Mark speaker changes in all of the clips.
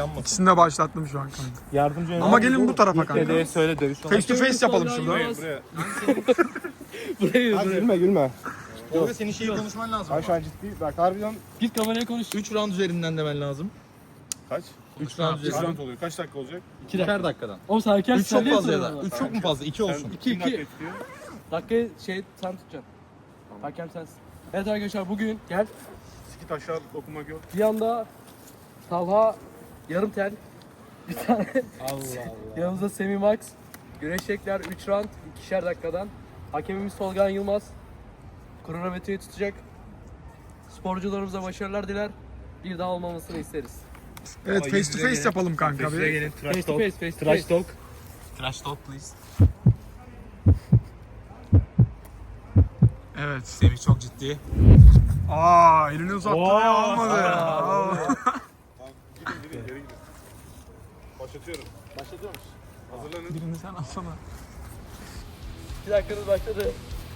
Speaker 1: Kazanmasın.
Speaker 2: İkisini de başlattım şu an kanka.
Speaker 1: Yardımcı
Speaker 2: Ama gelin bu tarafa kanka.
Speaker 1: Dedeye söyle dövüş
Speaker 2: Face to face yapalım şurada.
Speaker 1: Buraya.
Speaker 3: Gülme gülme.
Speaker 4: Tolga senin şeyi konuşman lazım.
Speaker 3: Ay şu an ciddi. Bak harbiden
Speaker 4: Git kameraya konuş. 3 round üzerinden demen lazım.
Speaker 3: kaç?
Speaker 4: 3 round
Speaker 3: Kaç
Speaker 4: üzerinden.
Speaker 3: round oluyor? Kaç dakika olacak?
Speaker 4: 2 dakikadan.
Speaker 5: Oğlum sen erken
Speaker 4: 3 çok fazla ya da. 3 çok mu fazla? 2 olsun.
Speaker 3: Kim dakika istiyor?
Speaker 5: Dakikayı sen tutacaksın. Hakem sensin. Evet arkadaşlar bugün gel.
Speaker 3: Sikit aşağı okumak yok.
Speaker 5: Bir anda Talha yarım tel. Bir tane
Speaker 4: Allah Allah.
Speaker 5: yanımızda Semih Max. Güreşecekler 3 round 2'şer dakikadan. Hakemimiz Tolga Yılmaz. Kronometreyi tutacak. Sporcularımıza başarılar diler. Bir daha olmamasını isteriz.
Speaker 2: Evet face to face yapalım kanka.
Speaker 1: Size
Speaker 2: Bir.
Speaker 1: gelin.
Speaker 5: Face
Speaker 1: Trash
Speaker 5: to
Speaker 1: talk.
Speaker 5: face, face to
Speaker 1: Trash
Speaker 5: face.
Speaker 1: talk.
Speaker 4: Trash talk please.
Speaker 2: Evet.
Speaker 4: Semih çok ciddi.
Speaker 2: Aa elini uzattı
Speaker 1: Oo.
Speaker 2: ve almadı. Aa.
Speaker 3: Gidin geri gidin. Başlatıyorum.
Speaker 5: Başlatıyor musun?
Speaker 3: Hazırlanın.
Speaker 2: Birini sen alsana.
Speaker 5: 2 dakikanız başladı.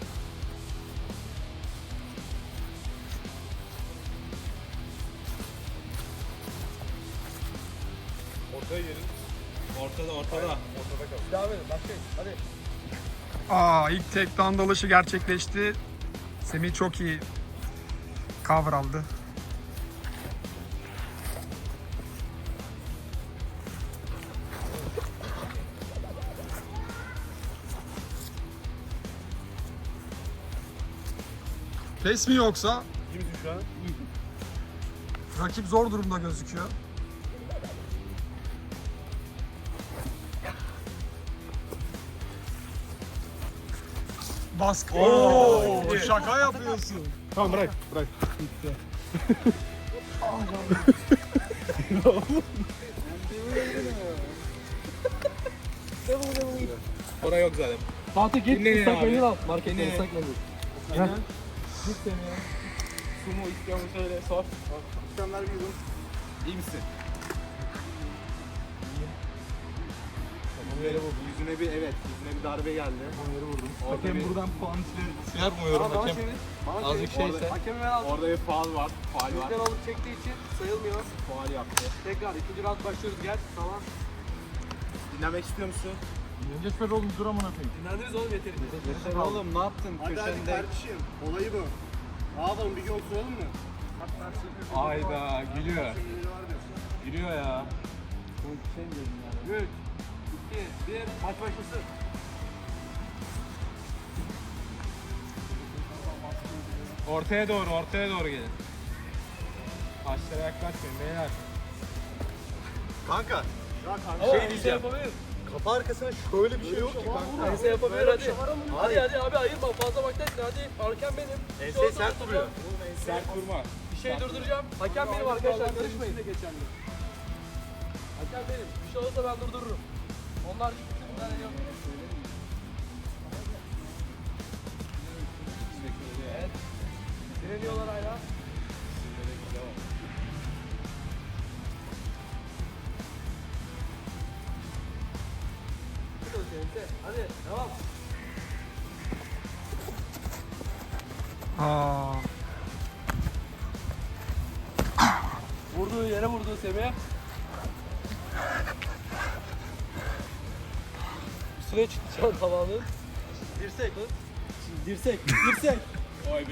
Speaker 3: Ortaya gelin.
Speaker 4: Ortada.
Speaker 3: Ortada kal.
Speaker 5: Devam edin. Başlayın. Hadi.
Speaker 2: Aa ilk takedown dalışı gerçekleşti. Semih çok iyi cover aldı. Pes mi yoksa?
Speaker 3: Kimsin şu an?
Speaker 2: Rakip zor durumda gözüküyor. Baskı. Oo, şaka yapıyorsun.
Speaker 3: Tamam bırak.
Speaker 4: Oraya yok zaten.
Speaker 5: Fatih git
Speaker 4: Dinleyin
Speaker 5: ıslak
Speaker 4: abi.
Speaker 5: mendil al. Marketten
Speaker 4: Dinleyin.
Speaker 5: ıslak mendil.
Speaker 4: Git seni ya. Sumo istiyor mu söyle sor.
Speaker 3: Sen vermiyordun.
Speaker 4: İyi misin?
Speaker 3: Yüzüne bir yüzüne bir darbe geldi. Onları vurdum.
Speaker 4: Hakem buradan puan yapmıyorum hakem. Azıcık şeyse.
Speaker 5: Hakemi ben aldım.
Speaker 3: Orada bir faul var.
Speaker 5: Bizden alıp çektiği için sayılmıyor.
Speaker 3: Faul yaptı.
Speaker 5: Tekrar ikinci round başlıyoruz. Gel. Tamam.
Speaker 3: Dinlemek istiyor musun?
Speaker 4: Önce oğlum dur amına koyayım.
Speaker 5: Dinlendiniz oğlum yeterince.
Speaker 4: Oğlum ne yaptın köşende?
Speaker 3: kardeşim. Olayı bu. Ne yapalım bir gün oturalım mı?
Speaker 4: Ayda gülüyor. Gülüyor ya.
Speaker 5: 3, 2, 1. Maç başlasın.
Speaker 1: Ortaya doğru gelin. Taşlara yaklaşmayın beyler.
Speaker 4: Kanka
Speaker 5: Şey diyeceğim. Yapabilir.
Speaker 4: kafa arkasına şöyle bir şey yok ki kanka.
Speaker 5: Ense yapabilir hadi. Hadi abi ayırma fazla baktaysın hadi. Hakem benim. Bir şey olsa
Speaker 4: sert duruyor.
Speaker 1: Sert vurma.
Speaker 5: Bir şey durduracağım. Hakem benim arkadaşlar karışmayın. Hakem benim. Bir şey olursa ben durdururum. Onlar hiçbir müdahale yok. Evet. Direniyorlar hala. Hadi devam.
Speaker 2: Aa.
Speaker 5: Vurduğu yere vurdu Semih. Üstüne çıktı şu an tavanın. Dirsek. Dirsek.
Speaker 1: Vay be.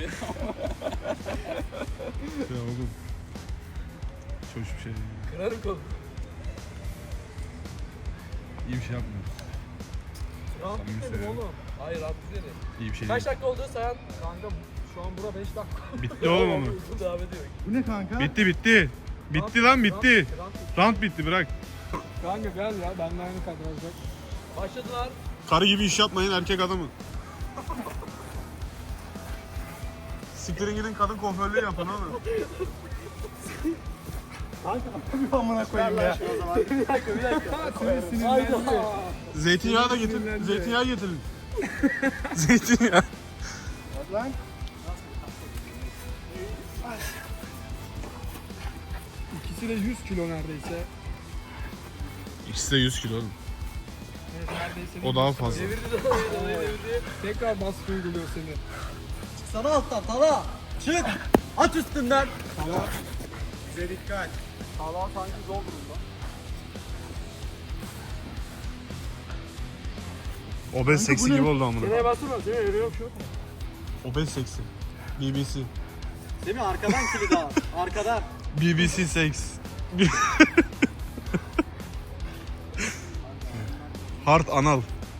Speaker 3: Ya oğlum. Çok bir şey.
Speaker 5: Kırarım kolu.
Speaker 3: İyi bir şey yapmıyoruz.
Speaker 5: Rahat
Speaker 3: Samimi
Speaker 5: dedim
Speaker 3: söylüyorum.
Speaker 5: oğlum. Hayır rahat dedi.
Speaker 3: İyi bir şey
Speaker 5: Kaç dakika oldu sayan? Kanka şu an bura 5 dakika.
Speaker 3: Bitti oğlum onu.
Speaker 5: Uzun devam ediyor.
Speaker 4: Bu ne kanka?
Speaker 3: Bitti. Bitti lan bitti. Round bitti bırak.
Speaker 5: Kanka gel ya benimle aynı kadar olacak. Başladılar.
Speaker 3: Karı gibi iş yapmayın erkek adamı. Siktirin gidin kadın kuaförlüğü yapın oğlum.
Speaker 4: Amına koyayım ya.
Speaker 5: Bir dakika. Hayda.
Speaker 3: Zeytinyağı da getir. Zeytinyağı getirin. Zeytinyağı.
Speaker 2: İkisi de 100 kilo neredeyse.
Speaker 3: İkisi de 100 kilo oğlum.
Speaker 2: Evet, neredeyse.
Speaker 3: O daha fazla.
Speaker 5: Devirdi devirdi.
Speaker 2: Tekrar baskı uyguluyor seni.
Speaker 4: Sana alttan Tala. Çık. At üstünden.
Speaker 3: Bize dikkat.
Speaker 5: Hava sanki zor durumda.
Speaker 3: Obez seksi gibi oldu amına.
Speaker 4: Nereye bastırma? Nereye yürüyor şu?
Speaker 3: Obez seksi. BBC.
Speaker 6: Değil mi? Arkadan kilit al. Arkadan.
Speaker 3: BBC seks. Hard anal.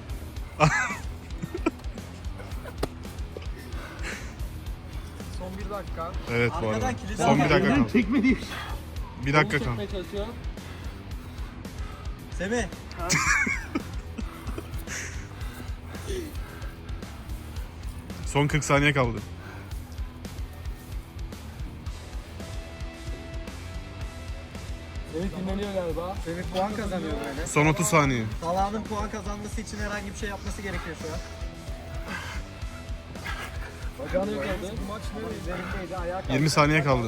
Speaker 2: Son 1 dakika.
Speaker 3: Evet bu arada.
Speaker 6: Arkadan kilit
Speaker 3: Son
Speaker 6: al.
Speaker 3: bir dakika kaldı. Bir dakika kaldı.
Speaker 5: Çekmeye çalışıyor.
Speaker 6: Semih.
Speaker 3: Son 40 saniye kaldı.
Speaker 5: Evet dinleniyor galiba.
Speaker 6: Semih puan kazanıyor böyle.
Speaker 3: Son 30 saniye.
Speaker 6: Talha'nın puan kazanması için herhangi bir şey yapması gerekiyor şu an.
Speaker 5: Bacağını yakaladı.
Speaker 6: Üzerindeydi, ayağa kalktı.
Speaker 3: 20 saniye kaldı.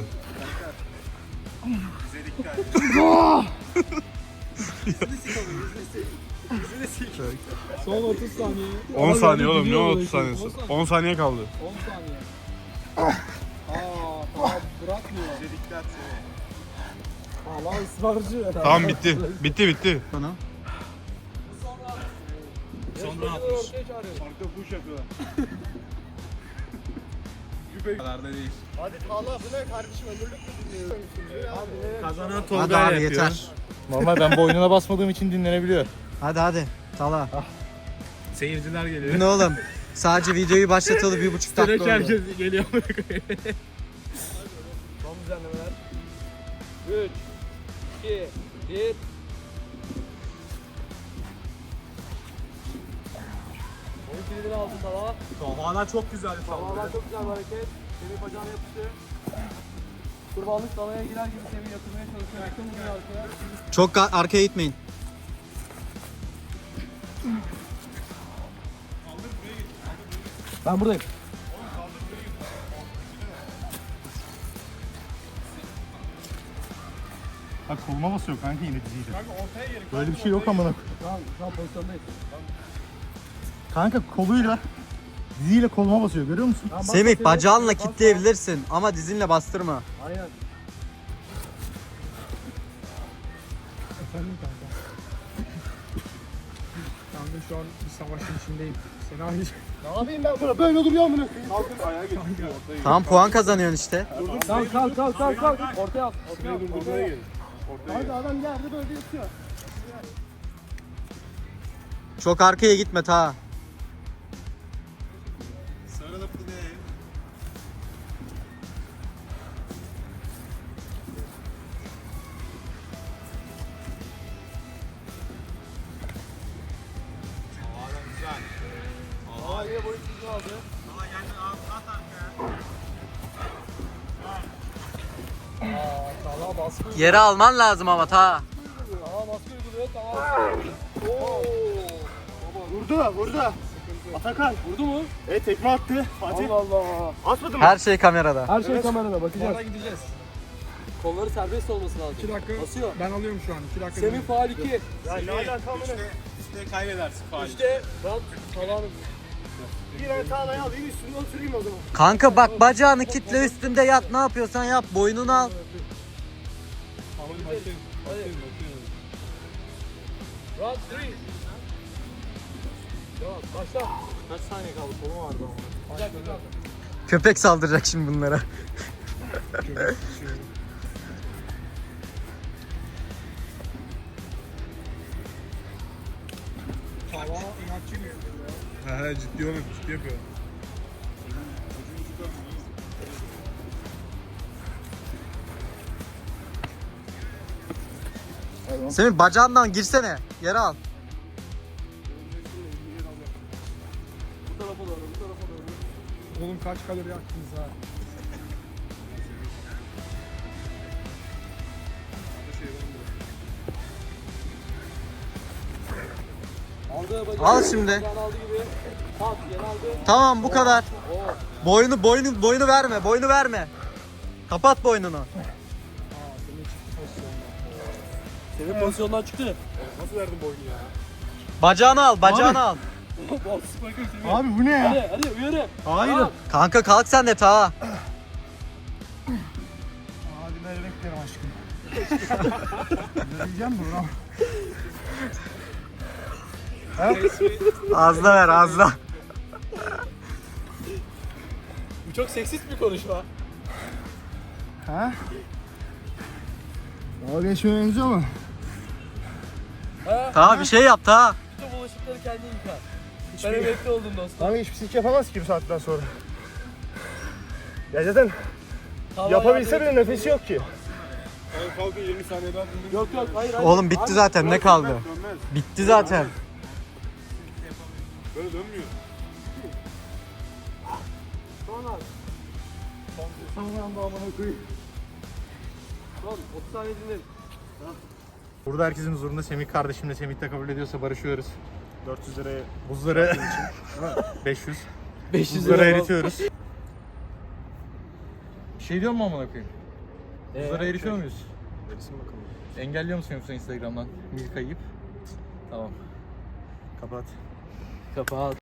Speaker 2: Son 30 saniye.
Speaker 3: 10 saniye oğlum ne 30 saniyesi? 10 saniye kaldı.
Speaker 2: 10 saniye. Tamam bırakmıyor. Allah ısrarcı.
Speaker 3: Tamam bitti. Bitti.
Speaker 6: Bana.
Speaker 5: Sonra atmış.
Speaker 1: kadar da değil.
Speaker 6: Kazanan
Speaker 7: Hadi
Speaker 6: Tolga
Speaker 7: abi
Speaker 6: yapıyor.
Speaker 7: yeter.
Speaker 4: Normal ben boynuna basmadığım için dinlenebiliyor.
Speaker 7: Hadi Talha.
Speaker 1: Seyirciler geliyor.
Speaker 7: Bu ne oğlum? Sadece videoyu başlatalı 1,5 dakika oldu.
Speaker 1: Herkes geliyor.
Speaker 5: Son düzenlemeler. 3, 2, 1. Oyun kilidini aldı Talha.
Speaker 1: Hala çok güzel.
Speaker 5: Talha'dan çok güzel bir hareket. Semih bacağına yapıştı. Kurbanlık Talha'ya girer gibi Semih yatırmaya çalışıyor. Yakın vuruyor arkaya.
Speaker 7: Çok arkaya gitmeyin.
Speaker 5: Ben buradayım.
Speaker 4: Bak koluma basıyor kanka yine diziyle. Böyle bir şey yok amına.
Speaker 5: Şu an pozisyondayız.
Speaker 4: Kanka koluyla diziyle koluma basıyor görüyor musun?
Speaker 5: Tamam, bas
Speaker 7: Semih
Speaker 5: Semih.
Speaker 7: bacağınla
Speaker 5: Bas,
Speaker 7: kitleyebilirsin ama dizinle bastırma.
Speaker 5: bas. Aynen.
Speaker 2: Efendim kanka. Kanka şu an bir savaşın içindeyim. Seni aynı
Speaker 4: Ne yapayım ben burada böyle duruyor amına.
Speaker 7: Tamam puan kazanıyorsun işte.
Speaker 5: Kalk. Ortaya at. Ortaya at.
Speaker 4: Hadi adam geldi böyle yatıyor.
Speaker 7: Çok arkaya gitme ta. Yere alman lazım ama ta.
Speaker 4: Vurdu. Atakan.
Speaker 5: Vurdu mu?
Speaker 4: Tekme attı. Hadi.
Speaker 5: Allah Allah.
Speaker 4: Atmadı mı?
Speaker 7: Her şey kamerada.
Speaker 5: Her şey kamerada bakacağız.
Speaker 2: Sonra gideceğiz.
Speaker 5: Kolları serbest olması lazım.
Speaker 2: 2 dakika.
Speaker 5: Basıyor.
Speaker 2: Ben alıyorum şu an. 2 dakika.
Speaker 5: Semih faal 2.
Speaker 4: Ya ne alaka amına.
Speaker 1: İşte kaybedersin faal.
Speaker 5: İşte ben Talha'nın.
Speaker 4: Bir tane tağlayı alayım üstüne oturayım o zaman.
Speaker 7: Kanka bak bacağını kitle üstünde yat ne yapıyorsan yap boynunu al.
Speaker 5: Round 3. Devam. Başla.
Speaker 6: Kaç saniye kaldı? Kolum vardı ama.
Speaker 5: Güzel.
Speaker 7: Köpek saldıracak şimdi bunlara.
Speaker 2: Hava inatçı gibi.
Speaker 3: He ciddi oğlum ciddi yapıyor.
Speaker 7: Semih bacağından girsene. Yere al.
Speaker 5: Bu tarafa doğru.
Speaker 2: Oğlum kaç kalori yaktınız ha?
Speaker 5: Aldı bacağı.
Speaker 7: Al şimdi.
Speaker 5: Bacağını aldı gibi. Pat. Yeni aldı.
Speaker 7: Tamam bu kadar.
Speaker 5: Oo.
Speaker 7: Boynu verme. Boynu verme. Kapat boynunu.
Speaker 5: Semih pozisyondan çıktı.
Speaker 7: Bacağını al. Bacağını al.
Speaker 4: Abi bu ne ya?
Speaker 5: Hadi uyarı.
Speaker 4: Hayır.
Speaker 7: Kanka kalk sen de ta.
Speaker 4: Hadi ben beklerim aşkım. Ne diyeceğim mi lan?
Speaker 7: Ağzına ver ağzına.
Speaker 5: Bu çok seksist bir konuşma.
Speaker 3: O geçmeye benziyor mu?
Speaker 7: Daha bir şey yap daha.
Speaker 5: Bütün bulaşıkları kendin yıka. Ben emekli oldum dostum.
Speaker 3: Abi hiçbir sik yapamaz ki bu saatten sonra. Ya zaten
Speaker 5: Hava
Speaker 3: yapabilse
Speaker 5: yardım
Speaker 3: bile nefesi yok ki.
Speaker 1: Kalkın 20 saniye daha dinleyin.
Speaker 5: Yok yok hayır.
Speaker 7: Oğlum bitti zaten ne kaldı? Bitti zaten.
Speaker 1: Böyle dönmüyor.
Speaker 5: Son 30 saniye dinleyin.
Speaker 3: Burada herkesin huzurunda Semih kardeşimle Semih de kabul ediyorsa barışıyoruz. 400 liraya buzları 500.
Speaker 5: 500
Speaker 3: Buzları
Speaker 5: lira
Speaker 3: eritiyoruz. Bir şey diyor mu amına koyayım? Buzları eritiyor muyuz?
Speaker 1: Erisin bakalım.
Speaker 3: Engelliyor musun yoksa Instagram'dan Milka yiyip? Tamam. Kapat.
Speaker 5: Kapat.